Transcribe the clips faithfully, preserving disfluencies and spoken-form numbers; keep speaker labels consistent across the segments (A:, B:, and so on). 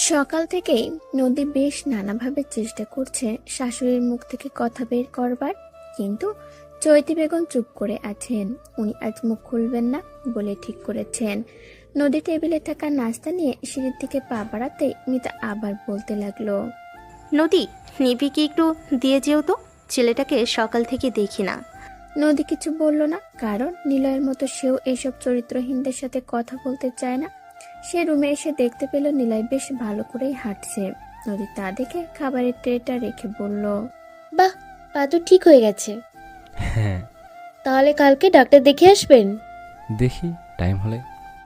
A: সকাল থেকেই নদী বেশ নানাভাবে চেষ্টা করছে শাশুড়ির মুখ থেকে কথা বের করবার, কিন্তু চৈতি বেগম চুপ করে আছেন। উনি আজ মুখ খুলবেন না বলে ঠিক করেছেন। নদী টেবিলে থাকা নাস্তা নিয়ে সিঁড়ির দিকে পা বাড়াতেই মিতা আবার বলতে লাগলো,
B: নদী, নিবিকে একটু দিয়ে যেও তো, ছেলেটাকে সকাল থেকে দেখি না।
A: নদী কিছু বলল না, কারণ নিলয়ের মতো সেও এইসব চরিত্রহীনদের সাথে কথা বলতে চায় না। সে রুমে এসে দেখতে পেল নিলয় বেশ ভালো করেই হাঁটছে। নদী তা দেখে খাবারের ট্রেটা রেখে বলল,
C: বাহ, পা তো ঠিক হয়ে গেছে।
D: হ্যাঁ,
C: তাহলে কালকে ডাক্তার দেখে আসবেন।
D: দেখি টাইম হলে।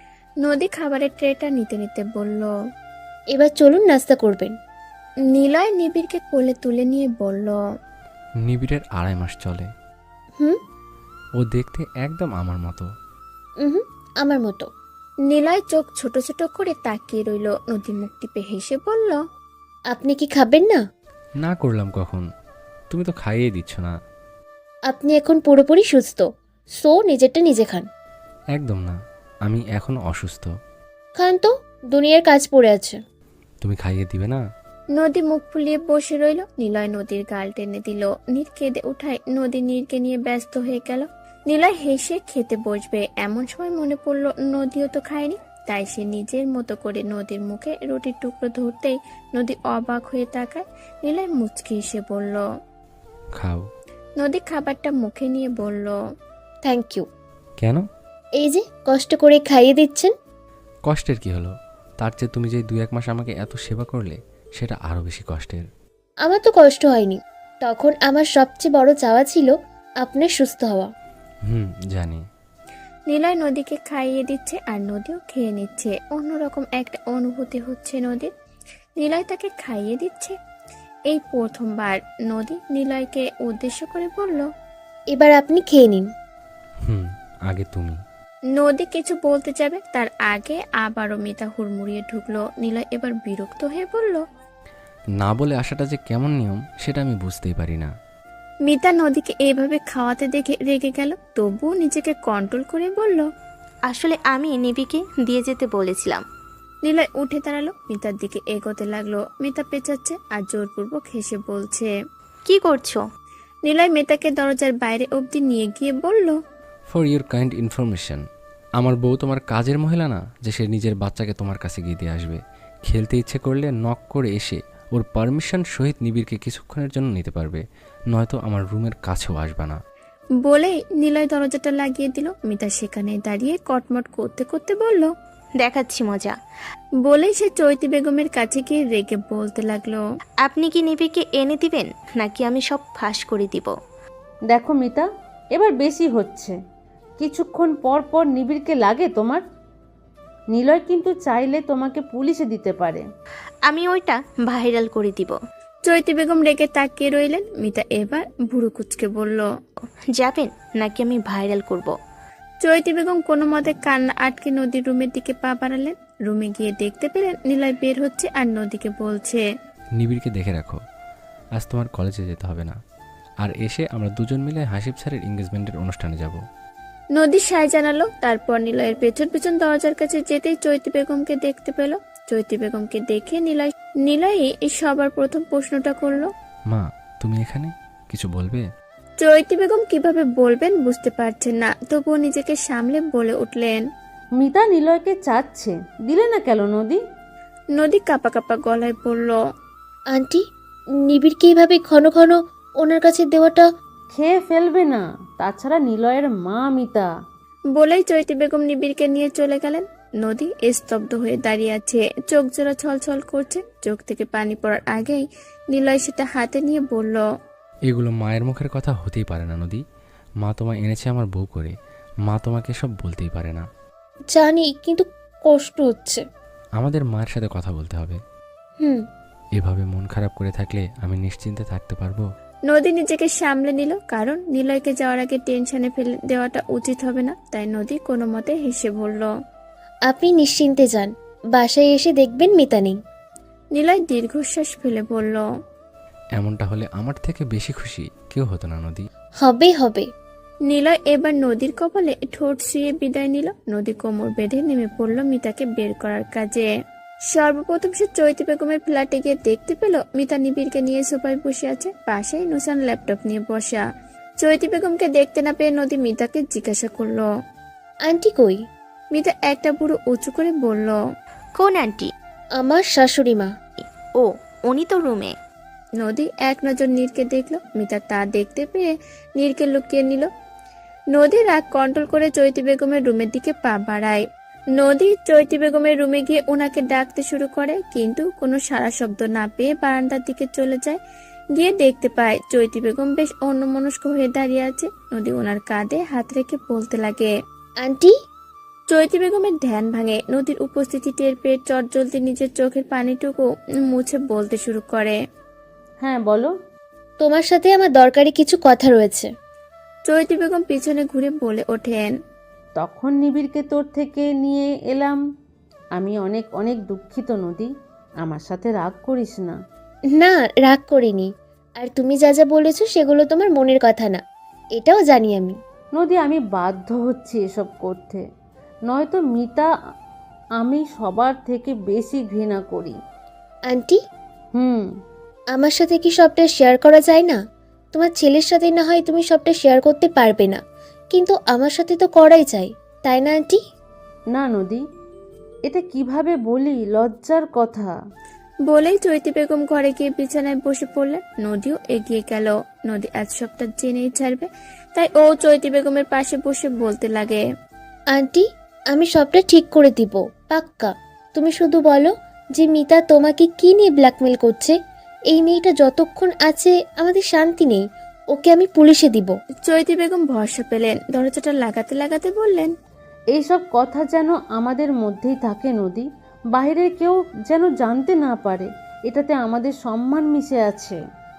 A: নদী খাবারের ট্রেটা নিতে নিতে বলল।
C: এবার চলুন নাস্তা করবেন।
A: নিলয় নিবিড়কে কোলে তুলে নিয়ে বলল,
D: নিবিড়ের আড়াই মাস চলে।
C: হুম
D: ও দেখতে একদম আমার মতো।
C: হুম আমার মতো।
A: নিলয় চোখ ছোট ছোট করে তাকিয়ে রইল। নদী মুখ টিপে হেসে বলল,
C: আপনি কি খাবেন না?
D: না করলাম কখন, তুমি তো খাইয়ে দিচ্ছ না।
C: আপনি এখন পুরোপুরি সুস্থ, সো নিজেরটা নিজে খান।
D: একদম না, আমি এখনো অসুস্থ।
C: খান তো, দুনিয়ার কাজ পড়ে আছে।
D: তুমি খাইয়ে দিবে না?
A: নদী মুখ ফুলিয়ে বসে রইল। নিলয় নদীর গাল টেনে দিল। নীর কেঁদে উঠায় নদী নীরকে নিয়ে ব্যস্ত হয়ে গেল। নিলয় হেসে খেতে বসবে, এমন সময় মনে পড়ল নদীও তো খায়নি। তাই সে নিজের মতো করে নদীর মুখে রুটির টুকরো ধরতেই নদী অবাক হয়ে তাকায়। নিলয় মুচকি এসে বলল,
D: খাও।
A: নদী খাবারটা মুখে নিয়ে বলল,
C: থ্যাংক ইউ।
D: কেন?
C: এই যে কষ্ট করে খাইয়ে দিচ্ছেন।
D: কষ্টের কি হলো? তার চেয়ে তুমি যে দুই এক মাস আমাকে এত সেবা করলে, সেটা আরো বেশি কষ্টের।
C: আমার তো কষ্ট হয়নি, তখন আমার সবচেয়ে বড় চাওয়া ছিল আপনার সুস্থ হওয়া।
D: হুম, জানি।
A: নিলয় নদীকে খাইয়ে দিচ্ছে আর নদীও খেয়ে নিচ্ছে। অন্যরকম একটা অনুভূতি হচ্ছে নদীর। নিলয় তাকে খাইয়ে দিচ্ছে। এই প্রথমবার নদী নিলয়কে উদ্দেশ্য করে বলল,
C: এবার আপনি খেয়ে নিন।
D: হুম, আগে তুমি।
A: নদী কিছু বলতে যাবে, তার আগে আবারও মিতা হুড়মুড়িয়ে ঢুকলো। নিলয় এবার বিরক্ত হয়ে বলল,
D: না বলে আসাটা যে কেমন নিয়ম সেটা আমি বুঝতেই পারি না।
A: মিতা নদীকে এইভাবে খাওয়াতে দেখে রেগে গেল, তবুও নিজেকে কন্ট্রোল করে বলল,
B: আসলে আমি নিবিকে দিয়ে যেতে বলেছিলাম।
A: নিলয় উঠে দাঁড়ালো, মিতার দিকে এগোতে লাগলো। মিতা পেঁচাচ্ছে আর জোরপূর্বক হেসে বলছে,
B: কি করছো?
A: নিলয় মিতাকে দরজার বাইরে অবধি নিয়ে গিয়ে বলল,
D: ফর ইউর কাইন্ড ইনফরমেশন, আমার বউ তোমার কাজের মহিলা না যে সে নিজের বাচ্চাকে তোমার কাছে গিয়ে দিয়ে আসবে। খেলতে ইচ্ছে করলে নক করে এসে ওর পারমিশন সহিত নিবিড়কে কিছুক্ষণের জন্য নিতে পারবে, নয়তো আমার রুমের কাছেও আসবে না।
A: বলেই নিলয় দরজাটা লাগিয়ে দিল। মিতা সেখানে দাঁড়িয়ে কটমট করতে করতে বলল,
B: দেখাচ্ছি মজা।
A: বলেই সে চৈতি বেগমের কাছে গিয়ে রেগে বলতে লাগলো,
B: আপনি কি নিবিকে এনে দিবেন, নাকি আমি সব ফাঁস করে দিব?
E: দেখো মিতা, এবার বেশি হচ্ছে। কিছুক্ষণ পর পর নিবিড়কে লাগে তোমার। নিলয় কিন্তু চাইলে তোমাকে পুলিশে দিতে পারে।
B: আমি ওইটা ভাইরাল করে দিব।
A: চৈতি বেগম রেগে তাকিয়ে রইলেন। মিতা এবার ভুরু কুচকে বলল,
B: যাবেন নাকি আমি ভাইরাল করব?
A: চৈতি বেগম কোনো মতে কান্না আটকে নদীর রুমের দিকে পা বাড়ালেন। রুমে গিয়ে দেখতে পেলেন নিলয় বের হচ্ছে আর নদীকে বলছে,
D: নিবিড়কে দেখে রাখো, আজ তোমার কলেজে যেতে হবে না। আর এসে আমরা দুজন মিলে হাসিব স্যারের এঙ্গেজমেন্টের অনুষ্ঠানে যাব।
A: নদী সায় জানালো। তারপর নিলয়ের পেছন পেছন দরজার কাছে যেতেই চৈতি বেগমকে দেখতে পেল। চৈতি বেগমকে দেখে নিলয় নিলয়ই সবার প্রথম প্রশ্নটা করলো,
D: মা, তুমি এখানে কিছু বলবে?
A: চৈতি বেগম কিভাবে বলবেন বুঝতে পারছেন না, তবুও নিজেকে সামলে বলে উঠলেন,
E: মিতা নিলয়কে চাচ্ছে, দিলে না কেন নদী?
A: নদী কাপা কাপা গলায় বলল,
C: আন্টি, নিবিড়কে এইভাবে ঘন ঘন ওনার কাছে দেওয়াটা।
E: খেয়ে ফেলবে না, তাছাড়া নিলয়ের মা মিতা।
A: বলেই চৈতি বেগম নিবিড়কে নিয়ে চলে গেলেন। নদী স্তব্ধ হয়ে দাঁড়িয়ে আছে, চোখ জোড়া ছলছল করছে। চোখ থেকে পানি পড়ার আগেই নিলয় সেটা হাতে নিয়ে বলল,
D: এগুলো মায়ের মুখের কথা হতেই পারে না নদী। মা তোমায় এনেছে আমার বউ করে, মা তোমাকে সব বলতেই পারে না।
C: জানি, কিন্তু কষ্ট হচ্ছে।
D: আমাদের মায়ের সাথে কথা বলতে হবে।
C: হুম
D: এভাবে মন খারাপ করে থাকলে আমি নিশ্চিন্তে থাকতে পারবো?
A: নদী নিজেকে সামলে নিল, কারণ নিলয়কে যাওয়ার আগে টেনশনে ফেলে দেওয়াটা উচিত হবে না। তাই নদী কোনো মতে হেসে বলল,
C: আপনি নিশ্চিন্তে যান, বাসায় এসে দেখবেন মিতা নেই।
A: নিলয় দীর্ঘশ্বাস ফেলে বলল,
D: এমনটা হলে আমার থেকে বেশি খুশি কেউ হতো না নদী।
C: হবে হবে।
A: নিলয় এবার নদীর কপালে ঠোঁট শুয়ে বিদায় নিল। নদী কোমর বেঁধে নেমে পড়ল মিতাকে বের করার কাজে। সর্বপ্রথম সে চৈতি বেগমের ফ্ল্যাটে গিয়ে দেখতে পেল মিতা নিবিড়কে নিয়ে সোফায় বসে আছে, পাশেই নুসান ল্যাপটপ নিয়ে বসা। চৈতি বেগমকে দেখতে না পেয়ে নদী মিতাকে জিজ্ঞাসা করলো।
C: আন্টি কই?
A: মিতা একটা বুড়ো উঁচু করে বলল।
B: কোন আন্টি?
C: আমার শাশুড়ি মা।
B: ও, উনি তো রুমে।
A: নদী এক নজর নীরকে দেখলো। মিতা তা দেখতে পেয়ে নীরকে লুকিয়ে নিল। নদী রাগ কন্ট্রোল করে চৈতি বেগমের রুমের দিকে পা বাড়ায়। নদী চৈতি বেগমের রুমে গিয়ে ওনাকে ডাকতে শুরু করে, কিন্তু কোনো সাড়া শব্দ না পেয়ে বারান্দার দিকে চলে যায়। গিয়ে দেখতে পায় চৈতি বেগম বেশ অন্যমনস্ক হয়ে দাঁড়িয়ে আছে। নদী ওনার কাঁধে হাত রেখে বলতে লাগে।
C: আন্টি?
A: চৈতি বেগমের ধ্যান ভাঙে। নদীর উপস্থিতি টের পেয়ে চটজলদি নিজের চোখের পানিটুকু মুছে বলতে শুরু করে।
E: হ্যাঁ বলো।
C: তোমার সাথে আমার দরকারি কিছু কথা রয়েছে।
A: চৈতি বেগম পিছনে ঘুরে বলে ওঠেন।
E: তখন নিবিড়কে তোর থেকে নিয়ে এলাম। আমি অনেক অনেক দুঃখিত নদী, আমার সাথে রাগ করিস না।
C: না, রাগ করিনি। আর তুমি যা যা বলেছো সেগুলো তোমার মনের কথা না, এটাও জানি আমি।
E: নদী, আমি বাধ্য হচ্ছি এসব করতে, নয়তো মিতা আমি সবার থেকে বেশি ঘৃণা করি।
C: আন্টি,
E: হুম
C: আমার সাথে কি সবটা শেয়ার করা যায় না? তোমার ছেলের সাথে না হয় তুমি সবটা শেয়ার করতে পারবে না, কিন্তু আমার সাথে তো করাই চাই, তাই না আন্টি?
E: না নদী, এটা কিভাবে বলি, লজ্জার কথা।
A: বলেই চৈতি বেগম ঘরে গিয়ে বিছানায় বসে পড়লেন। নদীও এগিয়ে গেল। নদী আজ সবটা জেনেই ছাড়বে, তাই ও চৈতি বেগমের পাশে বসে বলতে লাগে।
C: আন্টি, আমি সবটা ঠিক করে দিব, পাক্কা। তুমি শুধু বলো যে মিতা তোমাকে কি নিয়ে ব্ল্যাকমেল করছে। এই মেয়েটা যতক্ষণ আছে আমাদের শান্তি নেই, ওকে আমি পুলিশে দিব।
A: চৈতি বেগম ভরসা পেলেন, দরজাটা লাগাতে লাগাতে বললেন।
E: এইসব কথা যেন আমাদের মধ্যেই থাকে নদী, বাইরের কেউ যেন জানতে না পারে। এটাতে আমাদের সম্মান মিশে আছে।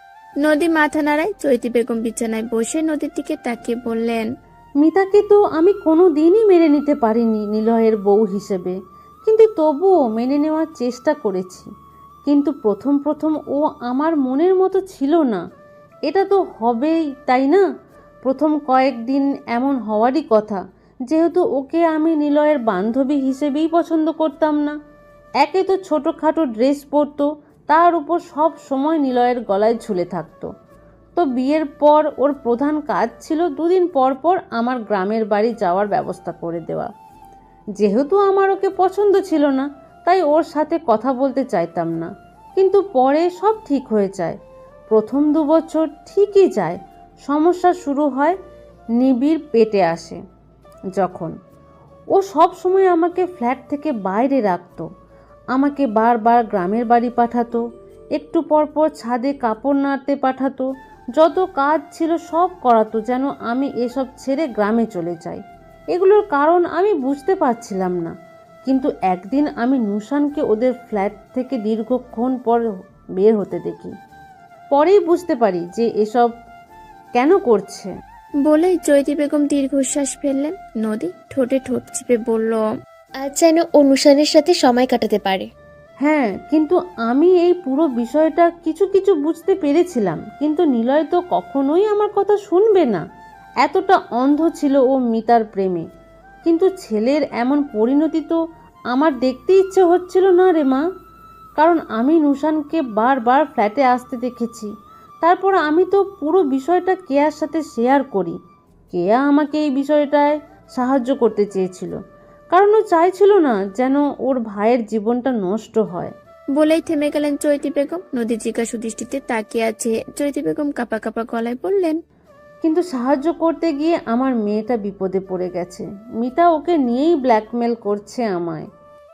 A: নদী মাথা নাড়ায়। চৈতি বেগম বিছানায় বসে নদীর দিকে তাকিয়ে বললেন।
E: মিতাকে তো আমি কোনো দিনই মেনে নিতে পারিনি নিলয়ের বউ হিসেবে, কিন্তু তবুও মেনে নেওয়ার চেষ্টা করেছি। কিন্তু প্রথম প্রথম ও আমার মনের মতো ছিল না। এটা তো হবেই, তাই না? প্রথম কয়েকদিন এমন হওয়ারই কথা, যেহেতু ওকে আমি নিলয়ের বান্ধবী হিসেবেই পছন্দ করতাম না। একে তো ছোটোখাটো ড্রেস পরতো, তার উপর সব সময় নিলয়ের গলায় ঝুলে থাকতো। তো বিয়ের পর ওর প্রধান কাজ ছিল দুদিন পর পর আমার গ্রামের বাড়ি যাওয়ার ব্যবস্থা করে দেওয়া। যেহেতু আমার ওকে পছন্দ ছিল না, তাই ওর সাথে কথা বলতে চাইতাম না। কিন্তু পরে সব ঠিক হয়ে যায়। প্রথম দু বছর ঠিকই যায়। সমস্যা শুরু হয় নিবিড় পেটে আসে যখন। ও সব সময় আমাকে ফ্ল্যাট থেকে বাইরে রাখতো, আমাকে বারবার গ্রামের বাড়ি পাঠাতো, একটু পর পর ছাদে কাপড় নাড়তে পাঠাতো, যত কাজ ছিল সব করাতো যেন আমি এসব ছেড়ে গ্রামে চলে যাই। এগুলোর কারণ আমি বুঝতে পারছিলাম না। কিন্তু একদিন আমি নুসানকে ওদের ফ্ল্যাট থেকে দীর্ঘক্ষণ পর বের হতে দেখি। পরেই বুঝতে পারি যে এসব কেন করছে।
A: বলেই চৈতি বেগম দীর্ঘশ্বাস ফেললেন। নদী ঠোঁটে ঠোঁট চিপে বলল।
C: আজ যেন অনুষ্ঠানের সাথে সময় কাটাতে পারে।
E: হ্যাঁ, কিন্তু আমি এই পুরো বিষয়টা কিছু কিছু বুঝতে পেরেছিলাম, কিন্তু নিলয় তো কখনোই আমার কথা শুনবে না। এতটা অন্ধ ছিল ও মিতার প্রেমে। কিন্তু ছেলের এমন পরিণতি তো আমার দেখতে ইচ্ছে হচ্ছিল না রে মা। কারণ আমি নুসানকে বারবার ফ্ল্যাটে আসতে দেখেছি। তারপর আমি তো পুরো বিষয়টা কেয়ার সাথে শেয়ার করি। কেয়া আমাকে এই বিষয়টায় সাহায্য করতে চেয়েছিল, কারণ ও চাইছিল না যেন ওর ভাইয়ের জীবনটা নষ্ট হয়।
A: বলেই থেমে গেলেন চৈতি বেগম। নদী জিজ্ঞাসু দৃষ্টিতে তাকিয়ে আছে। চৈতি বেগম কাঁপা কাঁপা গলায় বললেন।
E: কিন্তু সাহায্য করতে গিয়ে আমার মেয়েটা বিপদে পড়ে গেছে। মিতা ওকে নিয়েই ব্ল্যাকমেল করছে আমায়।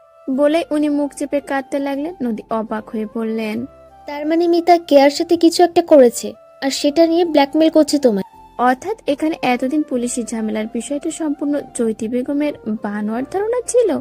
A: বলে উনি মুখ চেপে কাঁদতে লাগলেন। নদী অবাক হয়ে বললেন।
C: তার মানে মিতা কেয়ার সাথে কিছু একটা করেছে, আর সেটা নিয়ে ব্ল্যাকমেল করছে তোমায়?
A: অর্থাৎ এখানে এতদিন পুলিশি ঝামেলার বিষয়টা সম্পূর্ণ চৈতি বেগমের বানোয়ার ধারণা ছিল,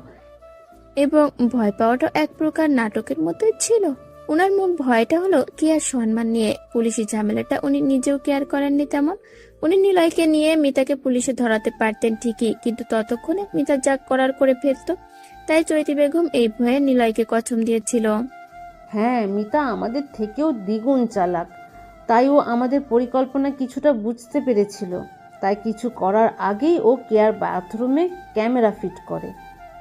A: এবং ভয় পাওয়াটা এক প্রকার নাটকের মতোই ছিল। উনার মূল ভয়টা হলো কেয়ার সম্মান নিয়ে। পুলিশি ঝামেলাটা উনি নিজেও কেয়ার করেননি তেমন। উনি নিলয়কে নিয়ে মিতাকে পুলিশে ধরাতে পারতেন ঠিকই, কিন্তু ততক্ষণে মিতা যা করার করে ফেলত। তাই চৈতি বেগম এই ভয়ে নিলয়কে কসম দিয়েছিল।
E: হ্যাঁ, মিতা আমাদের থেকেও দ্বিগুণ চালাক। তাই ও আমাদের পরিকল্পনা কিছুটা বুঝতে পেরেছিল। তাই কিছু করার আগেই ও কেয়ার বাথরুমে ক্যামেরা ফিট করে।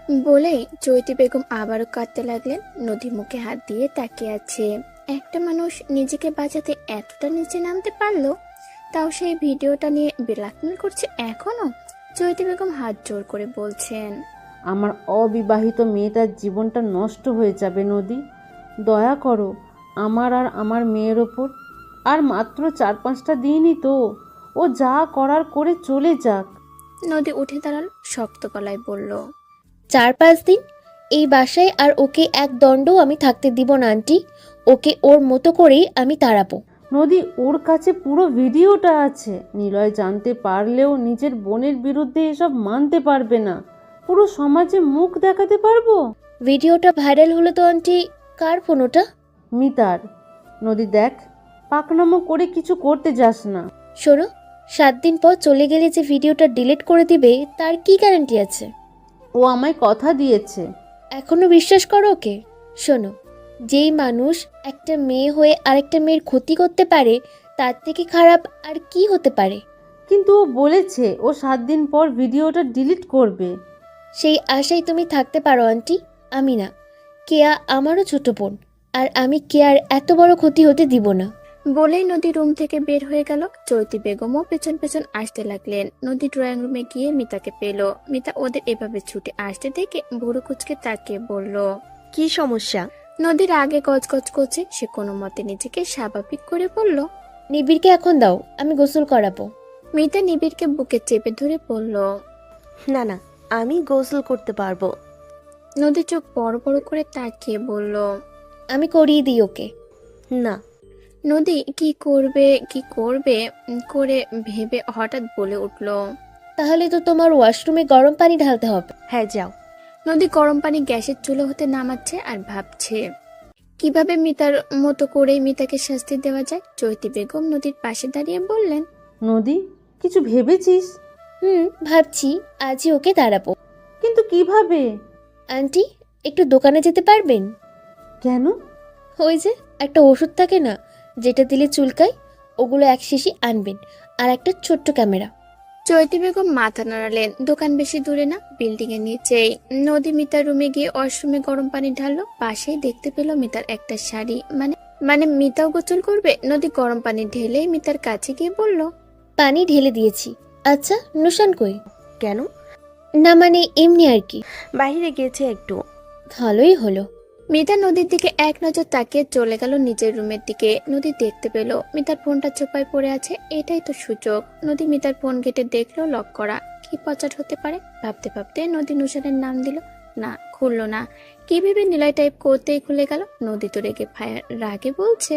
A: বলেই চৈতি বেগম আবারও কাঁদতে লাগলেন। নদী মুখে হাত দিয়ে তাকিয়ে আছে। একটা মানুষ নিজেকে বাঁচাতে এতটা নিচে নামতে পারলো, তাও সেই ভিডিওটা নিয়ে ব্ল্যাকমেল করছে এখনো। চৈতি বেগম হাত জোর করে বলছেন,
E: আমার অবিবাহিত মেয়েটার জীবনটা নষ্ট হয়ে যাবে নদী, দয়া করো আমার আর আমার মেয়ের ওপর। আর মাত্র চার পাঁচটা দিনই তো, ও যা করার করে চলে যাক।
A: নদী উঠে দাঁড়ালো, শক্ত গলায় বলল,
C: চার পাঁচ দিন এই বাসায় আর ওকে এক দণ্ডও আমি থাকতে দিব না আন্টি। ওকে ওর মতো করেই আমি তাড়াবো।
E: নদী, ওর কাছে পুরো ভিডিওটা আছে। নিলয় জানতে পারলেও নিজের বোনের বিরুদ্ধে এসব মানতে পারবে না। পুরো সমাজে মুখ দেখাতে পারবো।
C: ভিডিওটা ভাইরাল হলো তো আন্টি। কার ফোন ওটা?
E: মিতার। নদী দেখ, পাকনামো করে কিছু করতে যাস না।
C: শোনো, সাত দিন পর চলে গেলে যে ভিডিওটা ডিলিট করে দিবে তার কি গ্যারান্টি আছে?
E: ও আমায় কথা দিয়েছে।
C: এখনো বিশ্বাস করো ওকে? শোনো, যেই মানুষ একটা মেয়ে হয়ে আরেকটা মেয়ের ক্ষতি করতে পারে, তার থেকে খারাপ আর কি হতে পারে?
E: কিন্তু ও বলেছে ও সাত দিন পর ভিডিওটা ডিলিট করবে।
C: সেই আশায় তুমি থাকতে পারো আন্টি, আমি না। কেয়া আমারও ছোট বোন, আর আমি কেয়ার এত বড় ক্ষতি হতে দিব না।
A: বলেই নদী রুম থেকে বের হয়ে গেল। চৈতি বেগমও পেছন পেছন আসতে লাগলেন। নদী ড্রয়িং রুমে গিয়ে মিতাকে পেল। মিতা ওদের এভাবে ছুটে আসতে দেখে ভুরু কুচকে তাকিয়ে বলল,
B: কি সমস্যা?
A: নদীর আগে গজগজ করছে। সে কোনো মতে নিজেকে স্বাভাবিক করে বলল,
C: নিবিড়কে এখন দাও, আমি গোসল করাবো।
A: মিতা নিবিড়কে বুকে চেপে ধরে বলল,
B: না না, আমি গোসল করতে পারবো।
A: নদী চোখ বড় বড় করে তাকিয়ে বলল,
C: আমি করিয়ে দিই ওকে।
B: না।
A: নদী কি করবে কি করবে উম, করে ভেবে হঠাৎ বলে উঠল,
C: তাহলে তো তোমার ওয়াশরুমে গরম পানি ঢালতে হবে।
B: হ্যাঁ যাও।
A: নদী গরম পানি গ্যাসের চুলো হতে নামাচ্ছে আর ভাবছে কিভাবে মিতার মতো করেই মিতাকে শাস্তি দেওয়া যায়। চৈতি বেগম নদীর পাশে দাঁড়িয়ে বললেন,
E: নদী, কিছু ভেবেছিস?
C: হুম, ভাবছি আজই ওকে দাঁড়াবো।
E: কিন্তু কিভাবে?
C: আন্টি, একটু দোকানে যেতে পারবেন?
E: কেন?
C: ওই যে একটা ওষুধ থাকে না, যেটা দিলে চুলকায়, ওগুলো এক শিশি আনবেন, আর একটা ছোট্ট ক্যামেরা।
A: চৈতি বেগম মাথা নাড়ালেন। দোকান বেশি দূরে না, বিল্ডিং এর নিচেই। নদী মিতার রুমে গিয়ে ওয়াশরুমে গরম পানি ঢাললো। পাশেই দেখতে পেল মিতার একটা শাড়ি। মানে মানে মিতাও গোসল করবে। নদী গরম পানি ঢেলেই মিতার কাছে গিয়ে বলল,
C: পানি ঢেলে দিয়েছি। আচ্ছা, নুশান কই?
B: কেন?
C: না মানে এমনি আর কি।
B: বাইরে গেছে একটু।
C: ভালোই হলো।
A: মিতা নদীর দিকে এক নজর তাকিয়ে চলে গেল নিজের রুমের দিকে। নদী দেখতে পেল মিতার ফোনটা চোপায় পড়ে আছে। এটাই তো সুযোগ। নদী মিতার ফোন ঘেটে দেখলো লক করা। কি পচাট হতে পারে ভাবতে ভাবতে নদী নুশানের নাম দিল। না, খুললো না। কি ভেবে নিলয় টাইপ করতেই খুলে গেল। নদী তো রেগে ফায়ার রাগে বলছে,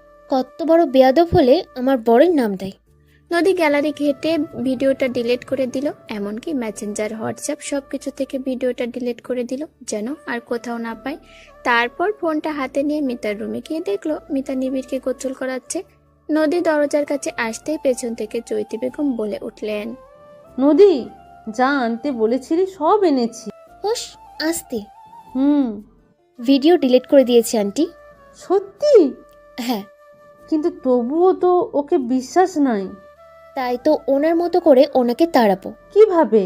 C: কত বড় বেয়াদব হলে আমার বরের নাম দেয়।
A: নদী গ্যালারি ঘেটে ভিডিওটা ডিলিট করে দিল। এমনকি মেসেঞ্জার, হোয়াটসঅ্যাপ সবকিছু থেকে ভিডিওটা ডিলিট করে দিল, যেন আর কোথাও না পায়। তারপর ফোনটা হাতে নিয়ে মিতার রুমে গিয়ে দেখলো মিতা নিবিড়কে গোসল করাচ্ছে। নদী দরজার কাছে আসতেই পেছন থেকে চৈতি বেগম বলে উঠলেন,
E: নদী, যা আনতে বলেছিলি সব এনেছি।
C: হোস, আসতে।
E: হুম।
C: ভিডিও ডিলিট করে দিয়েছি আন্টি।
E: সত্যি?
C: হ্যাঁ।
E: কিন্তু তবুও তো ওকে বিশ্বাস নাই।
C: তাই তো ওনার মতো করে ওনাকে তাড়াবো।
E: কিভাবে?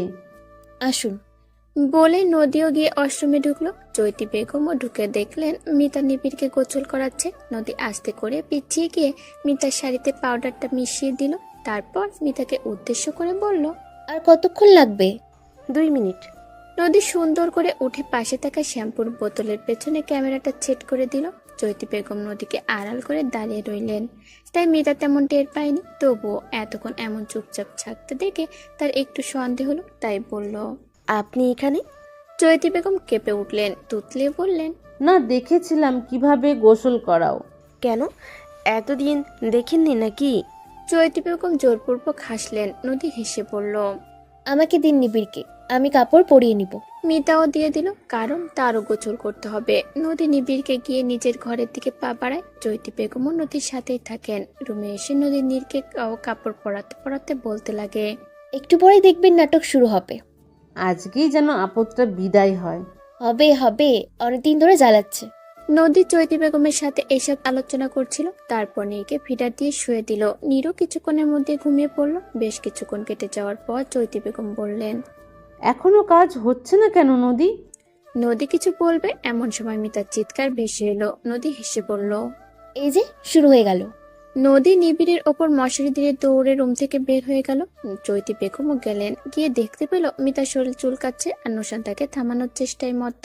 C: আসুন।
A: বলে নদীও গিয়ে ওয়াশরুমে ঢুকলো। চৈতি বেগমও ঢুকে দেখলেন মিতা নিবিড়কে গোসল করাচ্ছে। নদী আস্তে করে পিছিয়ে গিয়ে মিতার শাড়িতে পাউডারটা মিশিয়ে দিল। তারপর মিতাকে উদ্দেশ্য করে বলল,
C: আর কতক্ষণ লাগবে?
B: দুই মিনিট।
A: নদী সুন্দর করে উঠে পাশে থাকা শ্যাম্পুর বোতলের পেছনে ক্যামেরাটা সেট করে দিল। চৈতি বেগম নদীকে আড়াল করে দাঁড়িয়ে রইলেন। তাই মিতা তেমন টের পায়নি। তবুও এতক্ষণ এমন চুপচাপ থাকতে দেখে তার একটু সন্দেহ হলো। তাই বলল,
B: আপনি এখানে?
A: চৈতি বেগম কেঁপে উঠলেন, তুতলে বললেন,
E: না, দেখেছিলাম কিভাবে গোসল করাও।
B: কেন, এতদিন দেখেননি নাকি?
A: চৈতি বেগম জোরপূর্বক হাসলেন। নদী হেসে বলল,
C: আমাকে দিন নিবিড়কে, আমি কাপড় পরিয়ে নিব।
A: মিতাও দিয়ে দিল, কারণ তারও গোসল করতে হবে। নদী নিবিড়কে গিয়ে নিজের ঘরের দিকে পা বাড়ায়। চৈতি বেগমও নদীর সাথেই থাকেন। রুমে এসে নদী নীরকে কাপড় পরাতে পরাতে বলতে লাগে,
C: একটু পরেই দেখবেন নাটক শুরু হবে।
E: আজকেই যেন আপদটা বিদায় হয়।
C: হবে হবে, অনেকদিন ধরে জ্বালাচ্ছে।
A: নদী চৈতি বেগমের সাথে এসব আলোচনা করছিল। তারপর নীরকে ফিডার দিয়ে শুয়ে দিল। নীরও কিছুক্ষণের মধ্যে ঘুমিয়ে পড়ল। বেশ কিছুক্ষণ কেটে যাওয়ার পর চৈতি বেগম বললেন,
E: এখনো কাজ হচ্ছে না কেন নদী?
A: নদী কিছু বলবে এমন সময় মিতার চিৎকার ভেসে এলো। নদী হেসে বলল।
C: এই যে শুরু হয়ে গেল।
A: নদী নিবিড়ের ওপর মশারি দিয়ে দৌড়ে রুম থেকে বের হয়ে গেল। চৈতি বেগমও গেলেন, গিয়ে দেখতে পেল মিতার শরীর চুলকাচ্ছে আর নুশান তাকে থামানোর চেষ্টায় মত্ত।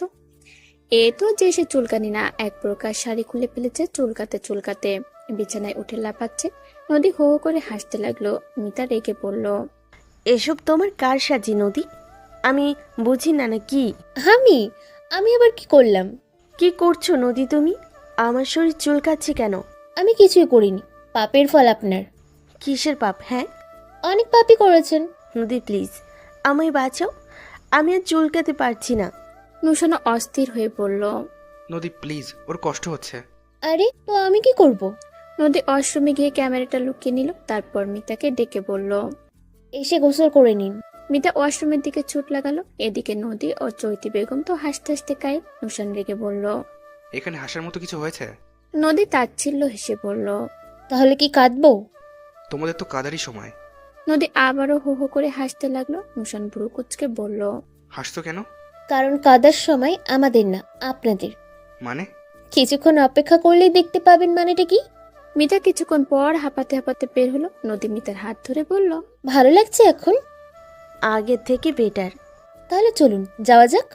A: এ তো যে সে চুলকানি না, এক প্রকার শাড়ি খুলে ফেলেছে চুলকাতে চুলকাতে। বিছানায় উঠে লাফাচ্ছে। নদী হো হো করে হাসতে লাগলো। মিতা রেগে পড়ল।
B: এসব তোমার কার সাজি নদী? আমি বুঝি না না কি
C: আমি আমি আবার কি করলাম?
B: কি করছো নদী তুমি? আমার শরীর চুলকাচ্ছে কেন?
C: আমি কিছুই করিনি। পাপের ফল আপনার।
B: কিসের পাপ? হ্যাঁ
C: অনেক পাপই করেছেন।
B: নদী প্লিজ আমায় বাঁচাও, আমি আর চুলকাতে পারছি না।
A: নুশানও অস্থির হয়ে পড়ল।
F: নদী প্লিজ, ওর কষ্ট হচ্ছে।
C: আরে তো আমি কি করব?
A: নদী ওয়াশরুমে গিয়ে ক্যামেরাটা লুকিয়ে নিল। তারপর মিতাকে ডেকে বলল।
C: এসে গোসল করে নিন।
A: মিতা ওয়াশরুমের দিকে ছুট লাগালো। এদিকে নদী ও চৈতি বেগম তো হাসতে হাসতে কায়। নুশান রেগে বলল।
F: এখানে হাসার মতো কিছু হয়েছে?
A: নদী তাচ্ছিল্য হেসে বলল।
C: তাহলে কি কাঁদবো?
F: তোমাদের তো কাদারই সময়।
A: নদী আবারও হো হো করে হাসতে লাগলো। নুশান ভ্রু কুচকে বলল।
F: হাসতো কেন?
C: কারণ কাদার সময় আমাদের না, আপনাদের।
F: মানে?
C: কিছুক্ষণ অপেক্ষা করলেই দেখতে পাবেন। মানেটা কি?
A: মিতা কিছুক্ষণ পর হাঁপাতে হাঁপাতে বের হলো। নদী মিতার হাত ধরে বলল।
C: ভালো লাগছে এখন?
B: আগের থেকে বেটার।
C: তাহলে চলুন যাওয়া যাক।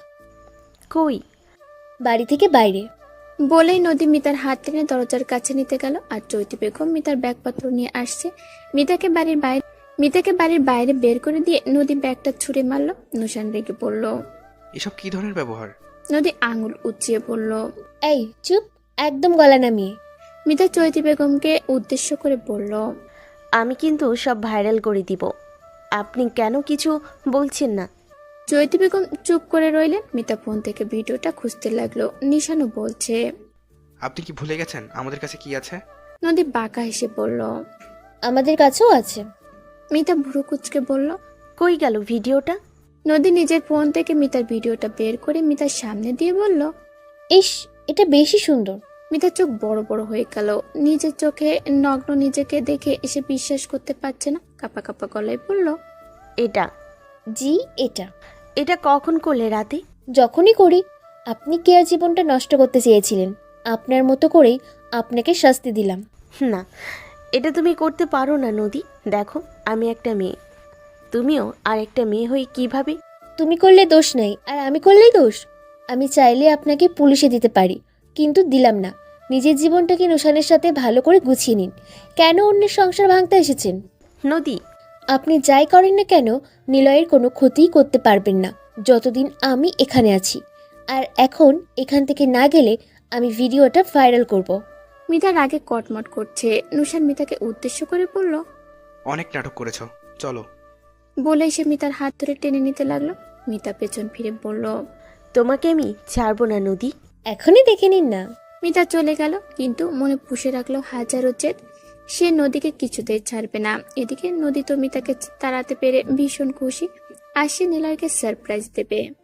B: কই?
C: বাড়ি থেকে বাইরে।
A: বলেই নদী মিতার হাত টেনে দরজার কাছে নিতে গেল। আর চৈতি বেগম মিতার ব্যাগপত্র নিয়ে আসছে। মিতাকে বাড়ির বাইরে মিতাকে বাড়ির বাইরে বের করে দিয়ে নদী ব্যাগটা ছুঁড়ে মারল। নুশান রেগে পড়ল।
F: এসব কি ধরনের ব্যবহার?
A: নদী আঙুল উঁচিয়ে পড়ল।
C: এই চুপ, একদম গলা নামিয়ে।
A: মিতা চৈতি বেগমকে উদ্দেশ্য করে বলল।
B: আমি কিন্তু সব ভাইরাল করে দিব। আপনি কেন কিছু বলছেন না?
A: চৈতি বেগম চুপ করে রইলেন। মিতা ফোন থেকে ভিডিওটা খুঁজতে লাগলো। নিশানও বলছে।
F: আপনি কি ভুলে গেছেন আমাদের কাছে কি আছে?
A: নদী বাঁকা হেসে বলল।
C: আমাদের কাছেও আছে।
A: মিতা ভুরু কুচকে বলল।
B: কই গেল ভিডিওটা?
A: নদী নিজের ফোন থেকে মিতার ভিডিওটা বের করে মিতার সামনে দিয়ে বলল।
C: ইস, এটা বেশি সুন্দর।
A: মিতার চোখ বড় বড় হয়ে গেল। নিজের চোখে নগ্ন নিজেকে দেখে এসে বিশ্বাস করতে পারছে না। কাপা কাপা গলায় বলল।
B: এটা?
C: জি, এটা।
B: এটা কখন করলে? রাতে?
C: যখনই করি। আপনি কেয়ার জীবনটা নষ্ট করতে চেয়েছিলেন, আপনার মতো করেই আপনাকে শাস্তি দিলাম।
B: না, এটা তুমি করতে পারো না নদী। দেখো আমি একটা মেয়ে, তুমিও আর একটা মেয়ে হয়ে কিভাবে?
C: তুমি করলে দোষ নাই, আর আমি করলেই দোষ? আমি চাইলে আপনাকে পুলিশে দিতে পারি, কিন্তু দিলাম না। নিজের জীবনটাকে নুশানের সাথে ভালো করে গুছিয়ে নিন। কেন অন্যের সংসার ভাঙতে এসেছেন?
B: নদী
C: আপনি যাই করেন না কেন, নিলয়ের কোনো ক্ষতিই করতে পারবেন না যতদিন আমি এখানে আছি। আর এখন এখান থেকে না গেলে আমি ভিডিওটা ভাইরাল করব।
A: মিতার আগে কটমট করছে। নুশান মিতাকে উদ্দেশ্য করে বলল।
F: অনেক নাটক করেছো, চলো।
A: বলে সে মিতার হাত ধরে টেনে নিতে লাগলো। মিতা পেছন ফিরে বলল।
B: তোমাকে আমি ছাড়বো না নদী।
C: এখনই দেখে নিন না।
A: মিতা চলে গেল, কিন্তু মনে পুষে রাখলো হাজারো জেদ। সে নদীকে কিছুতেই ছাড়বে না। এদিকে নদী তো মিতাকে তাড়াতে পেরে ভীষণ খুশি। আর সে নিলয়কে সারপ্রাইজ দেবে।